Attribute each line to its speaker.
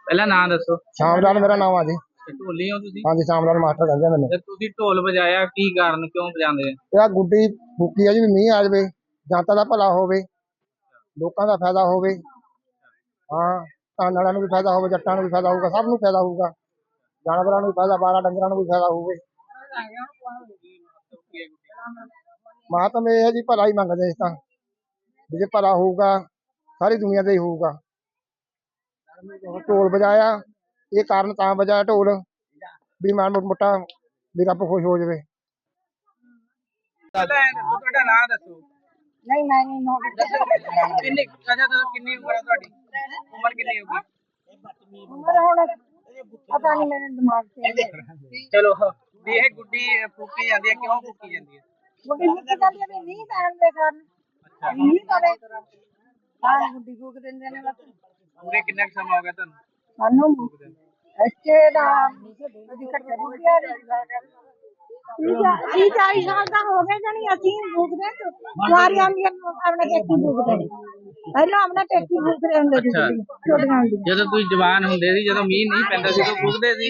Speaker 1: ਪਹਿਲਾਂ ਨਾਂ ਦੱਸੋ।
Speaker 2: ਸ਼ਾਮ ਲਾਲ ਮੇਰਾ ਨਾਮ ਆ ਜੀ।
Speaker 1: ਢੋਲੀ ਹੋ ਤੁਸੀਂ?
Speaker 2: ਹਾਂਜੀ ਸ਼ਾਮ ਲਾਲ ਮਾਸਟਰ ਕਹਿੰਦੇ ਆ ਮੈਨੂੰ।
Speaker 1: ਤੇ ਤੁਸੀਂ ਢੋਲ ਵਜਾਇਆ ਕੀ ਕਾਰਨ, ਕਿਉਂ ਵਜਾਉਂਦੇ ਆ?
Speaker 2: ਇਹ ਗੁੱਡੀ ਫੂਕੀ ਆ ਜੀ ਵੀ ਮੀਂਹ ਆ ਜਾਵੇ, ਜਨਤਾ ਦਾ ਭਲਾ ਹੋਵੇ, ਲੋਕਾਂ ਦਾ ਫਾਇਦਾ ਹੋਵੇ। ਹਾਂ ਧਨ ਵਾਲਿਆਂ ਨੂੰ ਵੀ ਫਾਇਦਾ ਹੋਵੇ, ਜੱਟਾਂ ਨੂੰ ਵੀ ਫਾਇਦਾ ਹੋਊਗਾ, ਸਭ ਨੂੰ ਫਾਇਦਾ ਹੋਊਗਾ, ਜਾਨਵਰਾਂ ਨੂੰ ਵੀ ਫਾਇਦਾ, 12 ਡੰਗਰਾਂ ਨੂੰ ਵੀ ਫਾਇਦਾ ਹੋਵੇ। ਮਾਤਮ ਇਹ ਹੈ ਜੀ ਭਲਾ ਹੀ ਮੰਗਦੇ ਇਸ ਤਾਂ ਵੀ ਜੇ ਭਲਾ ਹੋਊਗਾ ਸਾਰੀ ਦੁਨੀਆ ਦਾ ਹੀ ਹੋਊਗਾ। ਢੋਲ ਵਜਾਇਆ ਇਹ ਕਾਰਨ ਤਾਂ ਵਜਾਇਆ ਢੋਲ ਵੀ ਮਾੜਾ ਮੋਟਾ ਵੀ ਰੱਬ ਖੁਸ਼ ਹੋ ਜਾਵੇ।
Speaker 1: ਤੁਹਾਡਾ ਨਾਂ ਦੱਸੋ।
Speaker 3: ਨਹੀਂ ਮੈਂ ਨਹੀਂ
Speaker 1: ਕਿੰਨੀ ਕਿੰਨੀ ਉਮਰ ਹੈ ਤੁਹਾਡੀ? ਉਮਰ ਕਿੰਨੀ ਹੋਗੀ?
Speaker 3: ਉਮਰ ਹੁਣ ਪਤਾ ਨਹੀਂ ਮੇਰੇ ਦਿਮਾਗ ਤੇ।
Speaker 1: ਚਲੋ ਵੀ ਇਹ ਗੁੱਡੀ ਫੂਕੀ ਜਾਂਦੀ ਹੈ, ਕਿਉਂ ਫੂਕੀ ਜਾਂਦੀ ਹੈ?
Speaker 3: ਗੁੱਡੀ ਫੂਕੀ ਜਾਂਦੀ ਹੈ ਵੀ ਮੀਂਹ ਪੈਣ ਦੇ ਕਾਰਨ। ਮੀਂਹ ਪਵੇ ਤਾਂ ਗੁੱਡੀ ਫੂਕ ਦਿੰਦੇ ਨੇ ਬਸ।
Speaker 1: ਪੂਰੇ ਕਿੰਨਾ ਕੁ ਸਮਾਂ ਹੋ ਗਿਆ ਤੁਹਾਨੂੰ?
Speaker 3: ਸਾਨੂੰ ਇੱਥੇ ਦਾ ਅਸੀਂ ਕੱਟੇ ਰੁਪਿਆ 40 ਸਾਲ ਦਾ ਹੋ ਗਏ ਜਣੀ ਅਸੀਂ ਫੂਕਦੇ ਕੁਆਰੀਆਂ ਵੀ ਆਪਣੇ ਪੇਕੀ ਫੂਕਦੇ ਨੇ। ਪਹਿਲਾਂ ਆਪਣੇ ਪੇਕੀ ਫੂਕਦੇ ਹੁੰਦੇ ਸੀ ਛੋਟੀਆਂ ਹੁੰਦੀਆਂ।
Speaker 1: ਜਦੋਂ ਤੁਸੀਂ ਜਵਾਨ ਹੁੰਦੇ ਸੀ, ਜਦੋਂ ਮੀਂਹ ਨਹੀਂ ਪੈਂਦਾ ਸੀ, ਉਦੋਂ ਫੂਕਦੇ ਸੀ?